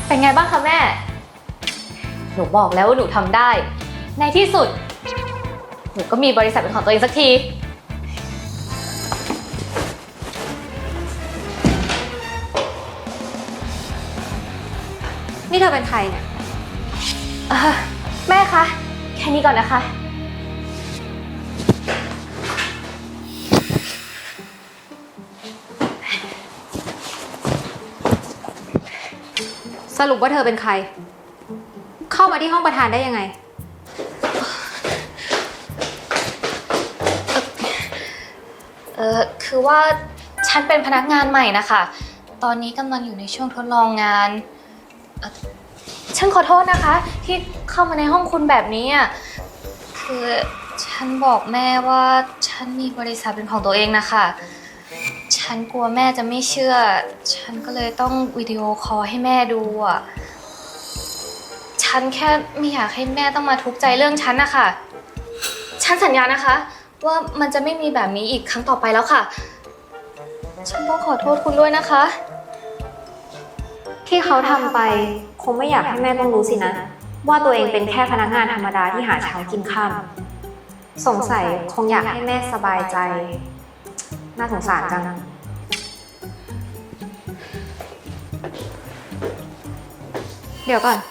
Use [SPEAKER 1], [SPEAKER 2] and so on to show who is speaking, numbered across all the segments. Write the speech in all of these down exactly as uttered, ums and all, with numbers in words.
[SPEAKER 1] เป็นไงบ้างคะแม่หนูบอกแล้วว่าหนูทำได้ในที่สุดหนูก็มีบริษัทเป็นของตัวเองสักที
[SPEAKER 2] นี่เธอเป็นใครเนี่ย
[SPEAKER 1] แม่คะแค่นี้ก่อนนะคะ
[SPEAKER 2] สรุปว่าเธอเป็นใครเข้ามาที่ห้องประธานได้ยังไง
[SPEAKER 1] เออคือว่าฉันเป็นพนักงานใหม่นะคะตอนนี้กำลังอยู่ในช่วงทดลองงานฉันขอโทษนะคะที่เข้ามาในห้องคุณแบบนี้อ่ะคือฉันบอกแม่ว่าฉันมีบริษัทเป็นของตัวเองนะคะฉันกลัวแม่จะไม่เชื่อฉันก็เลยต้องวิดีโอคอลให้แม่ดูอ่ะฉันแค่ไม่อยากให้แม่ต้องมาทุกข์ใจเรื่องฉันนะคะฉันสัญญานะคะว่ามันจะไม่มีแบบนี้อีกครั้งต่อไปแล้วค่ะฉันต้องขอโทษคุณด้วยนะคะ
[SPEAKER 2] ที่เขาทำไปคงไม่อยากให้แม่ต้องรู้สินะว่าตัวเองเป็นแค่พนักงานธรรมดาที่หาเช้ากินค่ำสงสัยคงอยากให้แม่สบายใจน่าสงสารจังเดี๋ยวก่อน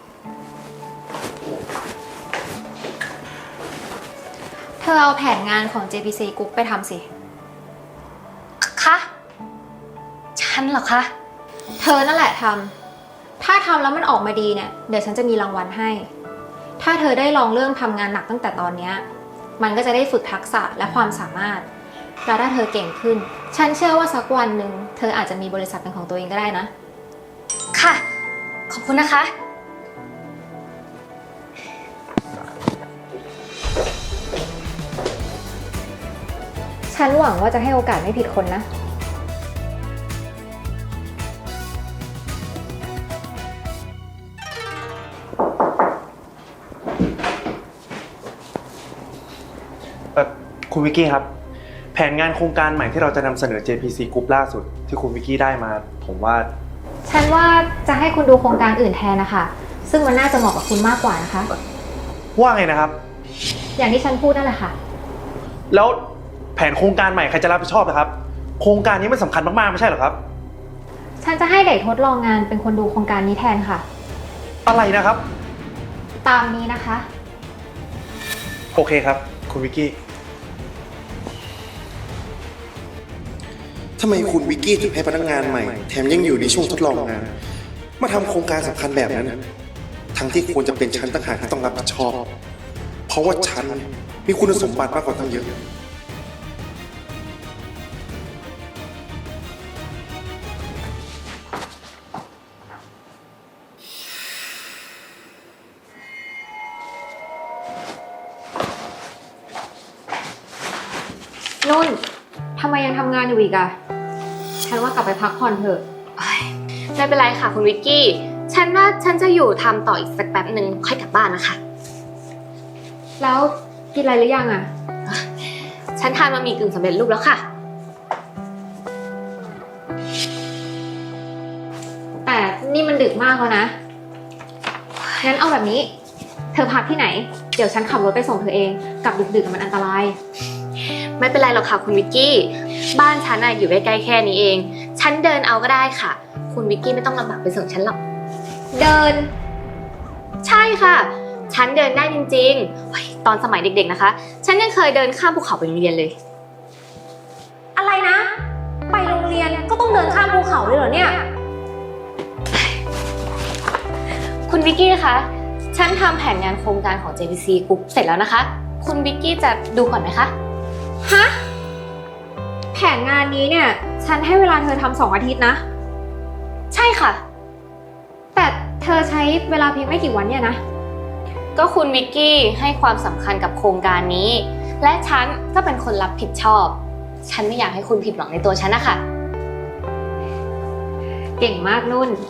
[SPEAKER 2] เธอเอาแผนงานของ เจ พี ซี Group ไปทำสิ
[SPEAKER 1] คะฉันเหรอคะ
[SPEAKER 2] เธอนั่นแหละทำถ้าทำแล้วมันออกมาดีเนี่ยเดี๋ยวฉันจะมีรางวัลให้ถ้าเธอได้ลองเรื่องทำงานหนักตั้งแต่ตอนนี้มันก็จะได้ฝึกทักษะและความสามารถแล้วถ้าเธอเก่งขึ้นฉันเชื่อว่าสักวันหนึ่งเธออาจจะมีบริษัทเป็นของตัวเองก็ได้นะ
[SPEAKER 1] ค่ะขอบคุณนะคะ
[SPEAKER 2] ฉันหวังว่าจะให้โอกาสไม่ผิดคนนะ
[SPEAKER 3] คุณวิกกี้ครับแผนงานโครงการใหม่ที่เราจะนำเสนอ เจ พี ซี Group ล่าสุดที่คุณวิกกี้ได้มาผมว่า
[SPEAKER 2] ฉันว่าจะให้คุณดูโครงการอื่นแทนนะคะซึ่งมันน่าจะเหมาะกับคุณมากกว่านะคะ
[SPEAKER 3] ว่าไงนะครับ
[SPEAKER 2] อย่างที่ฉันพูดนั่นแหละค่ะ
[SPEAKER 3] แล้วแผนโครงการใหม่ใครจะรับผิดชอบนะครับโครงการนี้มันสำคัญมากๆไม่ใช่เหรอครับ
[SPEAKER 2] ฉันจะให้เด็กทดลองงานเป็นคนดูโครงการนี้แทนค่ะ
[SPEAKER 3] อะไรนะครับ
[SPEAKER 2] ตามนี้นะคะ
[SPEAKER 3] โอเคครับคุณวิกกี้
[SPEAKER 4] ทำไมคุณวิกกี้ถึงให้พนักงานใหม่แถมยังอยู่ในช่วงทดลองงานมาทำโครงการสำคัญแบบนั้นทั้งที่ควรจะเป็นฉันต่างหากที่ต้องรับผิดชอบเพราะว่าฉันมีคุณสมบัติมากกว่าตั้งเยอะ
[SPEAKER 2] นุ่นทำไมยังทำงานอยู่อีกอะฉันว่ากลับไปพักผ่อนเถอะ
[SPEAKER 1] ไม่เป็นไรค่ะคุณวิกกี้ฉันว่าฉันจะอยู่ทำต่ออีกสักแป๊บหนึ่งค่อยกลับบ้านนะคะ
[SPEAKER 2] แล้วกินอะไรหรือยังอะ
[SPEAKER 1] ฉันทานบะหมี่กึ่งสำเร็จรูปแล้วค่ะ
[SPEAKER 2] แต่นี่มันดึกมากแล้วนะงั้นเอาแบบนี้เธอพักที่ไหนเดี๋ยวฉันขับรถไปส่งเธอเองกลับดึกๆมันอันตราย
[SPEAKER 1] ไม่เป็นไรหรอกค่ะคุณวิกกี้บ้านฉันอะอยู่ใกล้ๆแค่นี้เองฉันเดินเอาก็ได้ค่ะคุณวิกกี้ไม่ต้องลำบากไปส่งฉันหรอก
[SPEAKER 2] เดิน
[SPEAKER 1] ใช่ค่ะฉันเดินได้จริงๆตอนสมัยเด็กๆนะคะฉันยังเคยเดินข้ามภูเขาไปโรงเรียนเลย
[SPEAKER 2] อะไรนะไปโรงเรียนก็ต้องเดินข้ามภูเขาเลยเหรอเนี่ย
[SPEAKER 1] คุณวิกกี้คะฉันทำแผนงานโครงการของ เจ พี ซี Group เสร็จแล้วนะคะคุณวิกกี้จะดูก่อนไหมคะ
[SPEAKER 2] ฮะแผนงานนี้เนี่ยฉันให้เวลาเธอทำสองอาทิตย์นะ
[SPEAKER 1] ใช่ค่ะ
[SPEAKER 2] แต่เธอใช้เวลาเพียงไม่กี่วันเนี่ยนะ
[SPEAKER 1] ก็คุณวิกกี้ให้ความสำคัญกับโครงการนี้และฉันก็เป็นคนรับผิดชอบฉันไม่อยากให้คุณผิดหวังในตัวฉันนะคะ
[SPEAKER 2] เก่งมากนุ่น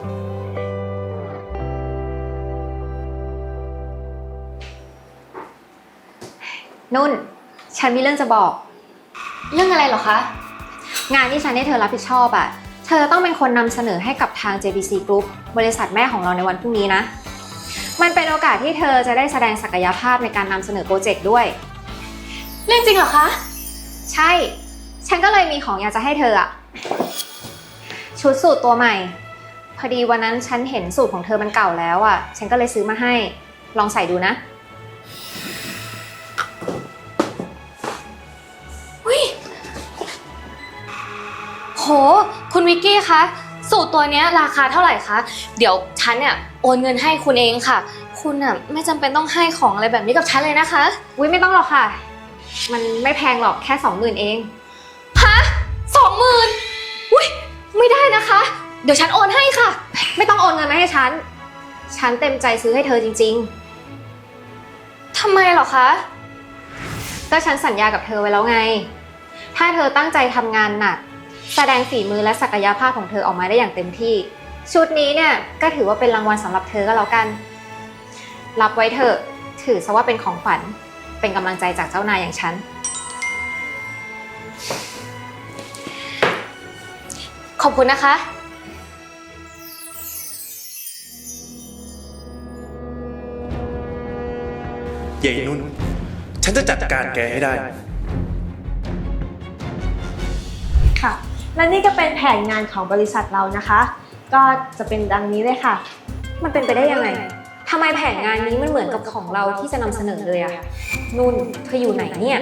[SPEAKER 2] นุ่นฉันมีเรื่องจะบอก
[SPEAKER 1] เรื่องอะไรเหรอคะ
[SPEAKER 2] งานที่ฉันให้เธอรับผิดชอบอ่ะฉเธอต้องเป็นคนนำเสนอให้กับทาง เจ พี ซี Group บริษัทแม่ของเราในวันพรุ่งนี้นะ มันเป็นโอกาสที่เธอจะได้แสดงศักยภาพในการนำเสนอโปรเจกต์ด้วย
[SPEAKER 1] เรื่องจริงเหรอคะ
[SPEAKER 2] ใช่ ฉันก็เลยมีของอยากจะให้เธออะชุดสูทตัวใหม่ พอดีวันนั้นฉันเห็นสูทของเธอมันเก่าแล้วอะฉันก็เลยซื้อมาให้ ลองใส่ดูนะ
[SPEAKER 1] โห คุณวิกกี้คะ สูตรตัวเนี้ยราคาเท่าไหร่คะ เดี๋ยวฉันเนี่ยโอนเงินให้คุณเองค่ะ คุณอ่ะไม่จำเป็นต้องให้ของอะไรแบบนี้กับฉันเลยนะคะ
[SPEAKER 2] อุ๊ยไม่ต้องหรอกค่ะ มันไม่แพงหรอกแค่สองหมื่นเอง
[SPEAKER 1] ฮะสองหมื่นอุ้ยไม่ได้นะคะ เดี๋ยวฉันโอนให้ค่ะ
[SPEAKER 2] ไม่ต้องโอนเงินมาให้ฉัน ฉันเต็มใจซื้อให้เธอจริง
[SPEAKER 1] ทำไมเหรอคะ
[SPEAKER 2] ๆ ก็ฉันสัญญากับเธอไว้แล้วไง ถ้าเธอตั้งใจทำงานหนัก แสดงฝีมือและศักยภาพของเธอออกมาได้อย่างเต็มที่ ชุดนี้เนี่ยก็ถือว่าเป็นรางวัลสำหรับเธอก็แล้วกัน รับไว้เถอะ ถือซะว่าเป็นของขวัญ เป็นกำลังใจจากเจ้านายอย่างฉัน
[SPEAKER 1] ขอบคุณนะคะ
[SPEAKER 3] เย่นุ่น ฉันจะจัดการแกให้ได้
[SPEAKER 5] ค่ะ และนี่ก็เป็นแผนงานของบริษัทเรานะคะ ก็จะเป็นดังนี้เลยค่ะ
[SPEAKER 2] มันเป็นไปได้ยังไง ทำไมแผนงานนี้มันเหมือนกับของเราที่จะนำเสนอเลยอะนุ่น เธออยู่ไหนเนี่ย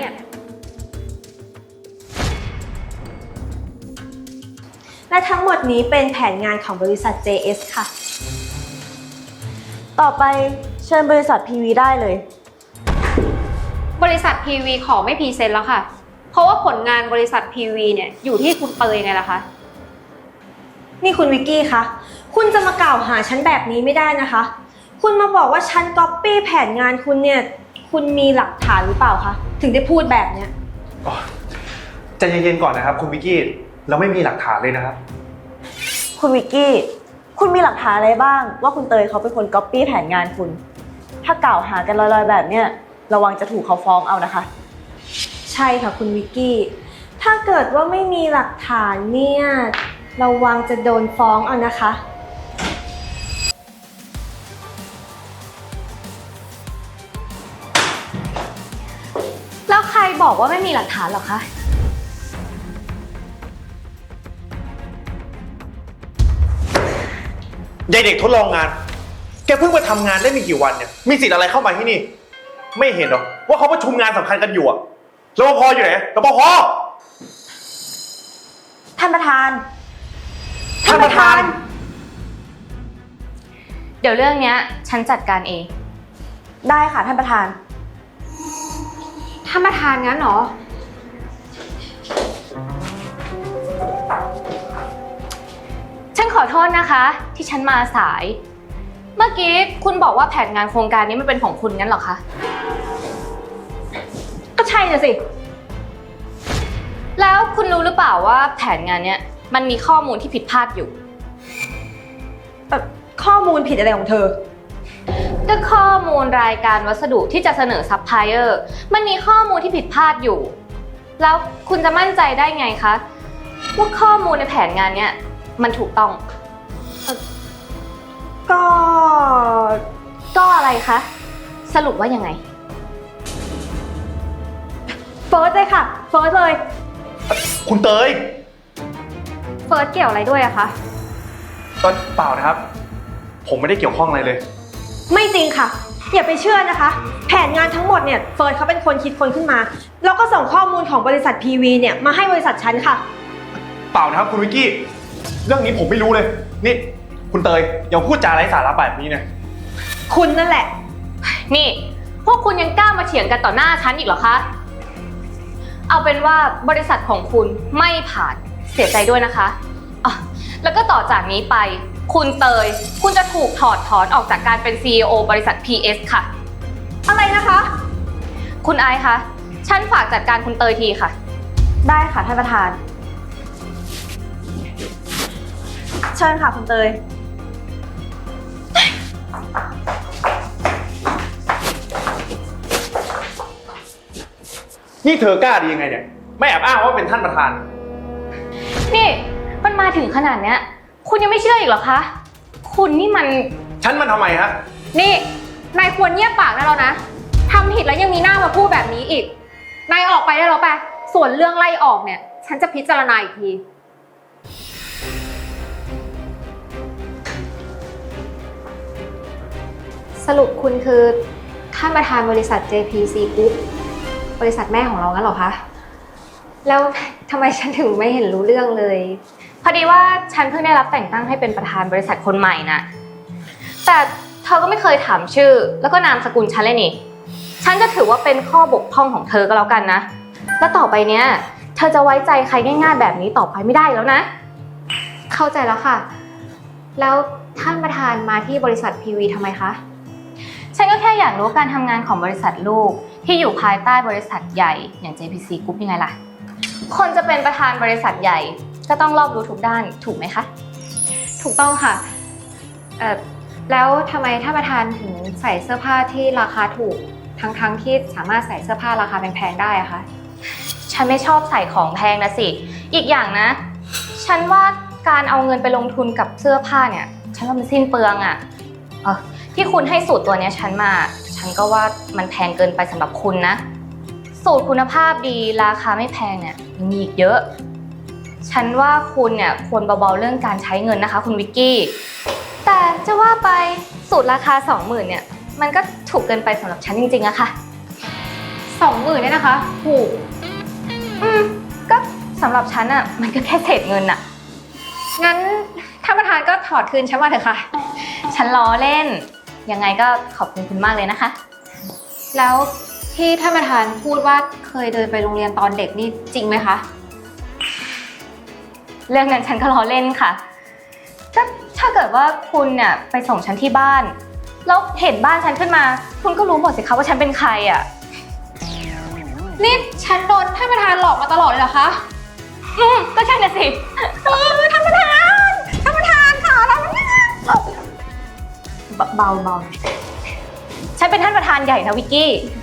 [SPEAKER 5] และทั้งหมดนี้เป็นแผนงานของบริษัท เจ เอส ค่ะ ต่อไปเชิญบริษัท พี วี ได้เลย
[SPEAKER 2] บริษัท พี วี ขอไม่พรีเซนต์แล้วค่ะ เพราะว่าผลงานบริษัท พี วี เนี่ยอยู่ที่คุณเตยไงล่ะคะ
[SPEAKER 5] นี่คุณวิกกี้คะ คุณจะมากล่าวหาฉันแบบนี้ไม่ได้นะคะ คุณมาบอกว่าฉันก๊อปปี้แผนงานคุณเนี่ย คุณมีหลักฐานหรือเปล่าคะ ถึงได้พูดแบบเนี้ย
[SPEAKER 3] อ๋อใจเย็นๆก่อนนะครับคุณวิกกี้ เราไม่มีหลักฐานเลยนะครับ
[SPEAKER 6] คุณวิกกี้ คุณมีหลักฐานอะไรบ้างว่าคุณเตยเขาเป็นคนก๊อปปี้แผนงานคุณ ถ้ากล่าวหากันลอยๆแบบเนี้ยระวังจะถูกเขาฟ้องเอานะคะ
[SPEAKER 5] ใช่ค่ะคุณวิกกี้ ถ้าเกิดว่าไม่มีหลักฐานเนี่ยระวังจะโดนฟ้องเอานะคะ
[SPEAKER 1] แล้วใครบอกว่าไม่มีหลักฐานเหรอคะ
[SPEAKER 3] ยายเด็กทดลองงาน แกเพิ่งมาทำงานได้ไม่กี่วันเนี่ย มีสิทธิ์อะไรเข้ามาที่นี่ ไม่เห็นหรอว่าเขาประชุมงานสำคัญกันอยู่อะรปภอยู่ไหนรปภ
[SPEAKER 6] ท่านประธาน
[SPEAKER 3] ท่านประธาน
[SPEAKER 1] เดี๋ยวเรื่องเนี้ยฉันจัดการเอง
[SPEAKER 6] ได้ค่ะท่านประธาน
[SPEAKER 2] ท่านประธานงั้นเหรอ
[SPEAKER 1] ฉันขอโทษนะคะ ที่ฉันมาสาย เมื่อกี้คุณบอกว่าแผนงานโครงการนี้มันเป็นของคุณงั้นเหรอคะ
[SPEAKER 5] ก็ใช่น่ะสิ
[SPEAKER 1] แล้วคุณรู้หรือเปล่าว่าแผนงานเนี้ยมันมีข้อมูลที่ผิดพลาดอยู่
[SPEAKER 5] เอ่อข้อมูลผิดอะไรของเธอ
[SPEAKER 1] ก็ข้อมูลรายการวัสดุที่จะเสนอซัพพลายเออร์มันมีข้อมูลที่ผิดพลาดอยู่ แล้วคุณจะมั่นใจได้ไงคะว่าข้อมูลในแผนงานเนี้ยมันถูกต้อง
[SPEAKER 5] ก็
[SPEAKER 1] ก็อะไรคะ สรุปว่ายังไง
[SPEAKER 5] เฟิร์สเลยค่ะ เฟิร์สเลย
[SPEAKER 3] คุณเตย
[SPEAKER 2] เฟิร์สเกี่ยวอะไรด้วยอะคะ
[SPEAKER 3] ตอนเปล่านะครับ ผมไม่ได้เกี่ยวข้องอะไรเลย
[SPEAKER 5] ไม่จริงค่ะ อย่าไปเชื่อนะคะ แผนงานทั้งหมดเนี่ยเฟิร์สเขาเป็นคนคิดคนขึ้นมา แล้วก็ส่งข้อมูลของบริษัท พี วี เนี่ยมาให้บริษัทฉันค่ะ
[SPEAKER 3] เปล่านะครับคุณวิกกี้ เรื่องนี้ผมไม่รู้เลย นี่คุณเตยอย่าพูดจาไร้สาระแบบนี้นะ
[SPEAKER 5] คุณนั่นแหละ
[SPEAKER 1] นี่ พวกคุณยังกล้ามาเถียงกันต่อหน้าฉันอีกเหรอคะ เอาเป็นว่าบริษัทของคุณไม่ผ่านเสียใจด้วยนะคะอ๋อแล้วก็ต่อจากนี้ไป คุณเตย คุณจะถูกถอดถอนออกจากการเป็น ซี อี โอ บริษัท พี เอส ค่ะ
[SPEAKER 5] อะไรนะคะ
[SPEAKER 1] คุณไอซ์คะ ฉันฝากจัดการคุณเตยทีค่ะ
[SPEAKER 6] ได้ค่ะท่านประธาน เชิญค่ะคุณเตย
[SPEAKER 3] นี่เธอกล้าดียังไงเนี่ย ไม่แอบอ้างว่าเป็นท่านประธาน
[SPEAKER 1] นี่ ไปมันมาถึงขนาดเนี้ย คุณยังไม่เชื่ออีกเหรอคะ คุณนี่มัน
[SPEAKER 3] ฉันมันทำไมฮะ
[SPEAKER 2] นี่ นายควรเงียบปากได้แล้วนะทำผิดแล้วยังมีหน้ามาพูดแบบนี้อีก นายออกไปได้แล้วไปส่วนเรื่องไล่ออกเนี่ย ฉันจะพิจารณาอีกที สรุปคุณคือท่านประธานบริษัท เจ พี ซี Group บริษัทแม่ของเรางั้นเหรอคะ แล้วทำไมฉันถึงไม่เห็นรู้เรื่องเลย
[SPEAKER 1] พอดีว่าฉันเพิ่งได้รับแต่งตั้งให้เป็นประธานบริษัทคนใหม่น่ะ แต่เธอก็ไม่เคยถามชื่อ แล้วก็นามสกุลฉันเลยนี่ ฉันจะถือว่าเป็นข้อบกพร่องของเธอก็แล้วกันนะ แล้วต่อไปเนี้ย เธอจะไว้ใจใครง่ายๆแบบนี้ต่อไปไม่ได้แล้วนะ
[SPEAKER 2] เข้าใจแล้วค่ะ แล้วท่านประธานมาที่บริษัท พี วี ทำไมคะ
[SPEAKER 1] ฉันก็แค่อยากรู้การทำงานของบริษัทลูกที่อยู่ภายใต้บริษัทใหญ่อย่าง เจ พี ซี Group ยังไงล่ะ คนจะเป็นประธานบริษัทใหญ่ก็ต้องรอบรู้ทุกด้านถูกไหมคะ
[SPEAKER 2] ถูกต้องค่ะ เอ่อ แล้วทำไมท่านประธานถึงใส่เสื้อผ้าที่ราคาถูก ทั้งๆที่สามารถใส่เสื้อผ้าราคาแพงๆได้อะคะ
[SPEAKER 1] ฉันไม่ชอบใส่ของแพงนะสิ อีกอย่างนะ ฉันว่าการเอาเงินไปลงทุนกับเสื้อผ้าเนี่ย ฉันว่ามันสิ้นเปลืองอะเออที่คุณให้สูตรตัวเนี้ยฉันมา ฉันก็ว่ามันแพงเกินไปสำหรับคุณนะ สูตรคุณภาพดีราคาไม่แพงเนี่ยยังมีอีกเยอะ ฉันว่าคุณเนี่ยควรเบาๆเรื่องการใช้เงินนะคะคุณวิกกี้ แต่จะว่าไปสูตรราคาสองหมื่นเนี่ยมันก็ถูกเกินไปสำหรับฉันจริงๆอะค่ะ
[SPEAKER 2] สองหมื่นเนี่ยนะคะ ถูก
[SPEAKER 1] อืมก็สำหรับฉันอะมันก็แค่เศษเงินอะ
[SPEAKER 2] งั้นท่านประธานก็ถอดคืนฉันมาเถอะค่ะ
[SPEAKER 1] ฉันล้อเล่น ยังไงก็ขอบคุณคุณมากเลยนะคะ
[SPEAKER 2] แล้วที่ท่านประธานพูดว่าเคยเดินไปโรงเรียนตอนเด็กนี่จริงไหมคะ
[SPEAKER 1] เรื่องนั้นฉันก็ล้อเล่นค่ะก็ถ้าเกิดว่าคุณเนี่ยไปส่งฉันที่บ้าน แล้วเห็นบ้านฉันขึ้นมา คุณก็รู้หมดสิคะว่าฉันเป็นใครอะ
[SPEAKER 2] นี่ฉันโดนท่านประธานหลอกมาตลอดเลยเหรอคะ
[SPEAKER 1] อืมก็ใช่น่ะสิ
[SPEAKER 2] เออท่านประธาน ท่านประธานค่ะท่านประธาน
[SPEAKER 1] เบาๆเบาฉันเป็นท่านประธานใหญ่นะวิกกี้